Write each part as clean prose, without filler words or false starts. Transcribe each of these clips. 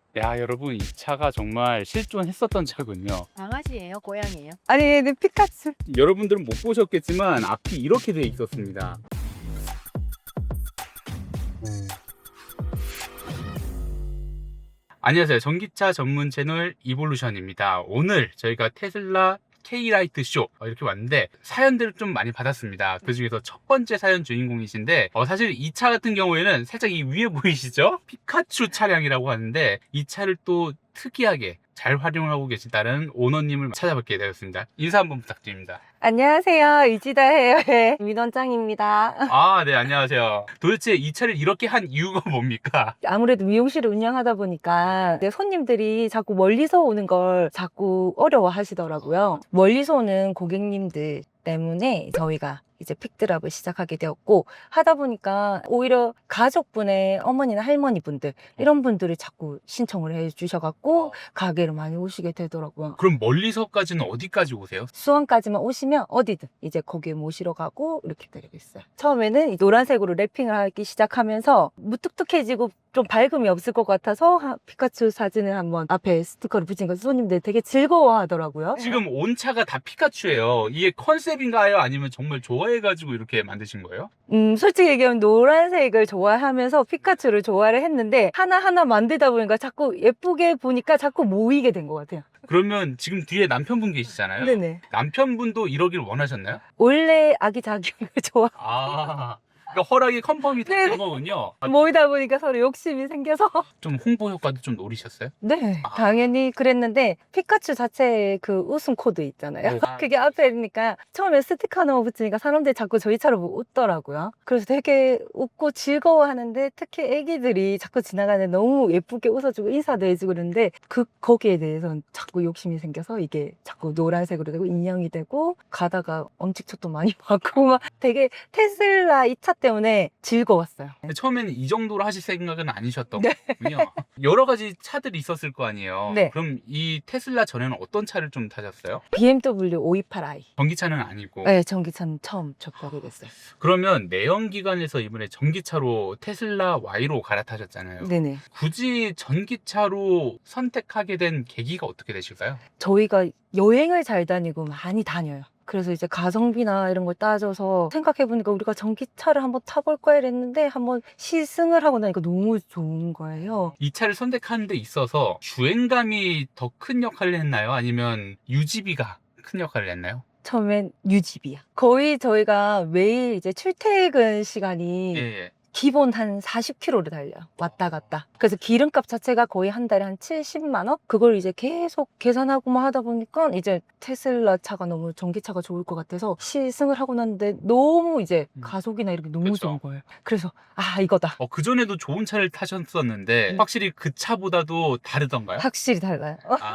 야, 여러분, 이 차가 정말 실존했었던 차군요. 강아지예요? 고양이예요? 아니, 얘는 피카츄. 여러분들은 못 보셨겠지만 앞이 이렇게 되어 있었습니다. 안녕하세요. 전기차 전문 채널 이볼루션입니다. 오늘 저희가 테슬라 K-라이트 쇼 이렇게 왔는데 사연들을 좀 많이 받았습니다. 그 중에서 첫 번째 사연 주인공이신데 사실 이 차 같은 경우에는 살짝 이 위에 보이시죠? 피카츄 차량이라고 하는데 이 차를 또 특이하게 잘 활용하고 계시다는 오너님을 찾아뵙게 되었습니다. 인사 한번 부탁드립니다. 안녕하세요. 이지다 헤어의 민원장입니다. 아, 네, 안녕하세요. 도대체 이 차를 이렇게 한 이유가 뭡니까? 아무래도 미용실을 운영하다 보니까 내 손님들이 자꾸 멀리서 오는 걸 자꾸 어려워 하시더라고요. 멀리서 오는 고객님들 때문에 저희가 이제 픽드랍을 시작하게 되었고, 하다 보니까 오히려 가족분의 어머니나 할머니 분들 이런 분들이 자꾸 신청을 해 주셔갖고 가게로 많이 오시게 되더라고요. 그럼 멀리서까지는 어디까지 오세요? 수원까지만 오시면 어디든 이제 거기에 모시러 가고 이렇게 되고 있어요. 처음에는 이 노란색으로 랩핑을 하기 시작하면서 무뚝뚝해지고 좀 밝음이 없을 것 같아서 피카츄 사진을 한번 앞에 스티커를 붙인 거 손님들 되게 즐거워하더라고요. 지금 온 차가 다 피카츄예요. 이게 컨셉인가요? 아니면 정말 좋아해가지고 이렇게 만드신 거예요? 솔직히 얘기하면 노란색을 좋아하면서 피카츄를 좋아를 했는데 하나하나 만들다 보니까 자꾸 예쁘게 보니까 자꾸 모이게 된 것 같아요. 그러면 지금 뒤에 남편분 계시잖아요. 네네. 남편분도 이러길 원하셨나요? 원래 아기자기한 거 좋아. 아, 그러니까 허락이 컨펌이 된 거군요. 모이다 보니까 서로 욕심이 생겨서. 좀 홍보 효과도 좀 노리셨어요? 네, 당연히 그랬는데 피카츄 자체의 그 웃음 코드 있잖아요. 네. 그게 앞에 있으니까 처음에 스티커 하나 붙이니까 사람들이 자꾸 저희 차를 보고 웃더라고요. 그래서 되게 웃고 즐거워하는데 특히 애기들이 자꾸 지나가는데 너무 예쁘게 웃어주고 인사도 해주고 그러는데 거기에 대해서는 자꾸 욕심이 생겨서 이게 자꾸 노란색으로 되고 인형이 되고 가다가 엄지척도 많이 받고 막 되게 테슬라 이 차 때문에 즐거웠어요. 근데 처음에는 이 정도로 하실 생각은 아니셨던 네. 거군요. 여러 가지 차들이 있었을 거 아니에요. 네. 그럼 이 테슬라 전에는 어떤 차를 좀 타셨어요? BMW 528i. 전기차는 아니고. 네, 전기차는 처음 접하게 됐어요. 그러면 내연기관에서 이번에 전기차로 테슬라 Y로 갈아타셨잖아요. 네네. 굳이 전기차로 선택하게 된 계기가 어떻게 되실까요? 저희가 여행을 잘 다니고 많이 다녀요. 그래서 이제 가성비나 이런 걸 따져서 생각해보니까 우리가 전기차를 한번 타볼까 이랬는데 한번 시승을 하고 나니까 너무 좋은 거예요. 이 차를 선택하는 데 있어서 주행감이 더 큰 역할을 했나요? 아니면 유지비가 큰 역할을 했나요? 처음엔 유지비야. 거의 저희가 매일 이제 출퇴근 시간이 예. 기본 한 40km를 달려요. 왔다 갔다. 그래서 기름값 자체가 거의 한 달에 한 70만 원? 그걸 이제 계속 계산하고만 하다 보니까 이제 테슬라 차가 너무 전기차가 좋을 것 같아서 시승을 하고 났는데 너무 이제 가속이나 이렇게 너무 그쵸. 좋은 거예요. 그래서 이거다. 그전에도 좋은 차를 타셨었는데 확실히 그 차보다도 다르던가요? 확실히 달라요.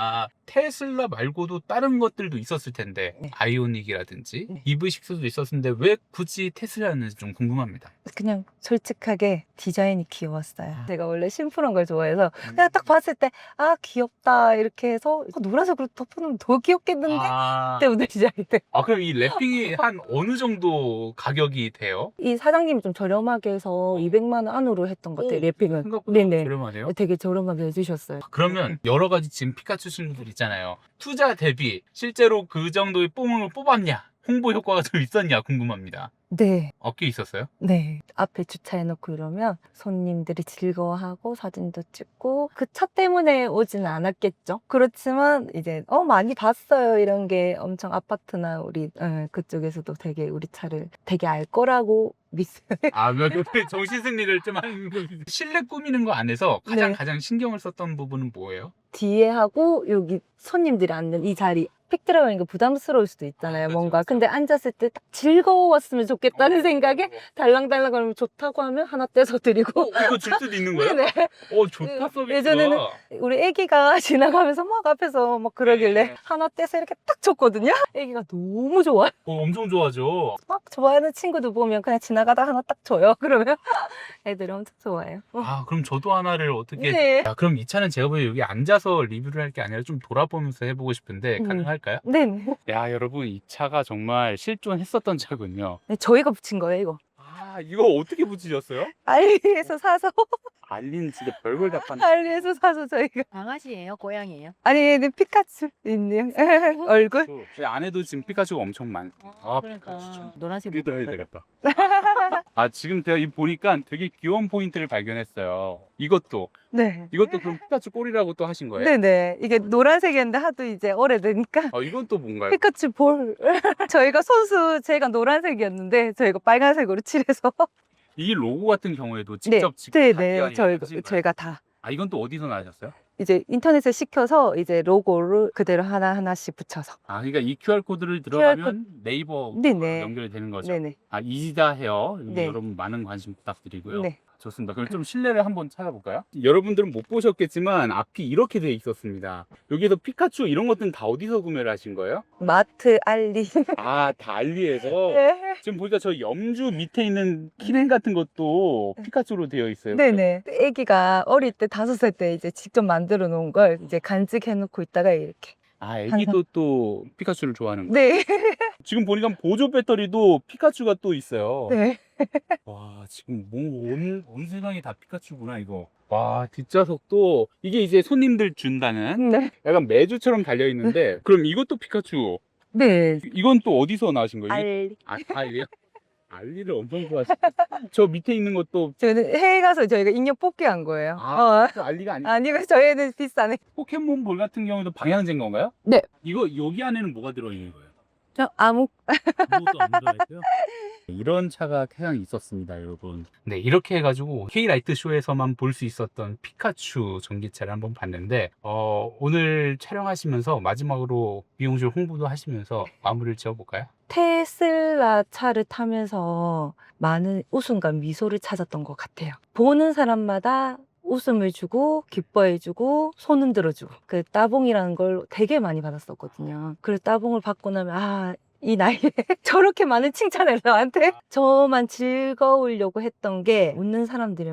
테슬라 말고도 다른 것들도 있었을 텐데 네. 아이오닉이라든지 네. EV6도 있었는데 왜 굳이 테슬라였는지 좀 궁금합니다. 그냥 솔직하게 디자인이 귀여웠어요. 제가 원래 심플한 걸 좋아해서 그냥 딱 봤을 때 귀엽다 이렇게 해서 노란색으로 덮어놓으면 더 귀엽겠는데? 때문에 디자인이 돼. 그럼 이 랩핑이 한 어느 정도 가격이 돼요? 이 사장님이 좀 저렴하게 해서 200만 원 안으로 했던 것 같아요, 랩핑은. 생각보다 네네. 저렴하네요. 되게 저렴하게 해주셨어요. 그러면 여러 가지 지금 피카츄 친구들 있잖아요. 투자 대비 실제로 그 정도의 뽕을 뽑았냐? 홍보 효과가 좀 있었냐 궁금합니다. 네, 어깨 있었어요? 네. 앞에 주차해놓고 이러면 손님들이 즐거워하고 사진도 찍고 그 차 때문에 오지는 않았겠죠. 그렇지만 이제 많이 봤어요. 이런 게 엄청 아파트나 우리 그쪽에서도 되게 우리 차를 되게 알 거라고 믿어요. 그 정신승리를 좀 한 실내 꾸미는 거 안에서 네. 가장 신경을 썼던 부분은 뭐예요? 뒤에 하고 여기 손님들이 앉는 이 자리 픽드랍이니까 부담스러울 수도 있잖아요. 그렇죠, 뭔가 그렇죠. 근데 앉았을 때 딱 즐거웠으면 좋겠다는 생각에 달랑달랑 그러면 좋다고 하면 하나 떼서 드리고 이거 줄 수도 있는 거예요? 네네. 좋다 서비스가. 예전에는 우리 애기가 지나가면서 막 앞에서 막 그러길래 네. 하나 떼서 이렇게 딱 줬거든요. 애기가 너무 좋아요. 엄청 좋아하죠. 막 좋아하는 친구도 보면 그냥 지나가다 하나 딱 줘요. 그러면 애들이 엄청 좋아해요. 그럼 저도 하나를 어떻게. 네. 그럼 이 차는 제가 보기에 여기 앉아서 리뷰를 할 게 아니라 좀 돌아보면서 해보고 싶은데 가능할까요? 네. 야, 여러분, 이 차가 정말 실존했었던 차군요. 네, 저희가 붙인 거예요, 이거. 이거 어떻게 붙이셨어요? 알리에서 사서 알리는 진짜 별걸 다 파네. 알리에서 사서 저희가. 강아지예요? 고양이예요? 아니, 얘는 피카츄 있네요. 얼굴. 제 안에도 지금 피카츄가 엄청 많. 아, 그러니까 피카츄. 노란색 여기다 해야 되겠다. 아, 지금 제가 이 보니까 되게 귀여운 포인트를 발견했어요. 이것도 네. 그럼 피카츄 꼴이라고 또 하신 거예요? 네네. 이게 노란색이었는데 하도 이제 오래되니까. 이건 또 뭔가요? 피카츄 볼. 저희가 손수 제가 노란색이었는데 저희가 빨간색으로 칠해서. 이 로고 같은 경우에도 네. 직접 네네. 하신 거예요? 저희가 다. 아, 이건 또 어디서 나셨어요? 이제 인터넷에 시켜서 이제 로고를 그대로 하나하나씩 붙여서. 아, 그러니까 이 QR 코드를 들어가면 네이버 네네. 연결이 되는 거죠. 네네. 아, 이지다 헤어. 네. 여러분 많은 관심 부탁드리고요. 네. 좋습니다. 그럼 좀 실내를 한번 찾아볼까요? 여러분들은 못 보셨겠지만 앞이 이렇게 돼 있었습니다. 여기서 피카츄 이런 것들은 다 어디서 구매를 하신 거예요? 마트 알리. 아, 다 알리에서. 네. 지금 보니까 저 염주 밑에 있는 키링 같은 것도 피카츄로 되어 있어요. 네네. 아기가 어릴 때 5살 때 이제 직접 만들어 놓은 걸 이제 간직해 놓고 있다가 이렇게. 아, 애기도 또 피카츄를 좋아하는 거예요. 네. 지금 보니까 보조 배터리도 피카츄가 또 있어요. 네. 와, 지금 온 세상이 다 피카츄구나, 이거. 와, 뒷좌석도 이게 이제 손님들 준다는 네. 약간 메주처럼 달려 있는데, 그럼 이것도 피카츄. 네. 이건 또 어디서 나신 거예요? 알리. 알리요? 알리를 엄청 좋아하시죠. 저 밑에 있는 것도 저는 해외 가서 저희가 인형 뽑기 한 거예요. 알리가 아니고 아니고 저희는 비싸네. 포켓몬볼 같은 경우도 방향제인 건가요? 네. 이거 여기 안에는 뭐가 들어있는 거예요? 저 아무. 아무것도 안 들어있고요. 이런 차가 태양이 있었습니다, 여러분. 네, 이렇게 해가지고 K라이트 쇼에서만 볼 수 있었던 피카츄 전기차를 한번 봤는데, 오늘 촬영하시면서 마지막으로 미용실 홍보도 하시면서 마무리를 지어볼까요? 테슬라 차를 타면서 많은 웃음과 미소를 찾았던 것 같아요. 보는 사람마다 웃음을 주고 기뻐해주고 손 흔들어주고 그 따봉이라는 걸 되게 많이 받았었거든요. 그래서 따봉을 받고 나면 이 나이에 저렇게 많은 칭찬을 나한테 저만 즐거우려고 했던 게 웃는 사람들이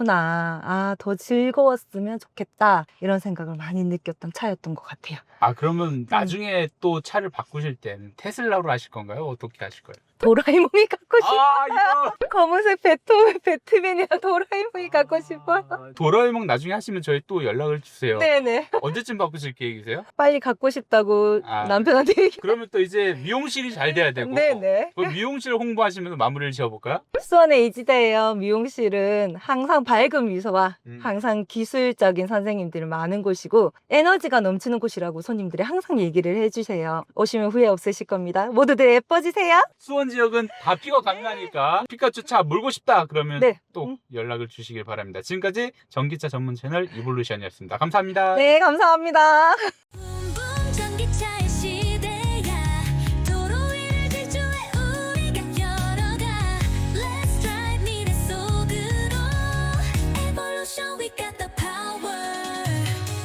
많구나. 더 즐거웠으면 좋겠다. 이런 생각을 많이 느꼈던 차였던 것 같아요. 아, 그러면 나중에 또 차를 바꾸실 때는 테슬라로 하실 건가요? 어떻게 하실 거예요? 도라에몽이 갖고 싶어요. 이거 검은색 배트맨이랑 도라에몽이 갖고 싶어요. 도라에몽 나중에 하시면 저희 또 연락을 주세요. 네네. 언제쯤 바꾸실 계획이세요? 빨리 갖고 싶다고 남편한테 얘기. 그러면 또 이제 미용실이 잘 돼야 되고. 네네. 그 미용실 홍보하시면서 마무리를 지어볼까요? 수원의 이지대예요. 미용실은 항상 밝은 미소와 음. 항상 기술적인 선생님들이 많은 곳이고 에너지가 넘치는 곳이라고 손님들이 항상 얘기를 해주세요. 오시면 후회 없으실 겁니다. 모두들 예뻐지세요. 수원 지역은 다 피가 강하니까 피카츄 차 몰고 싶다 그러면 네. 또 연락을 주시길 바랍니다. 지금까지 전기차 전문 채널 이볼루션이었습니다. 감사합니다. 네, 감사합니다.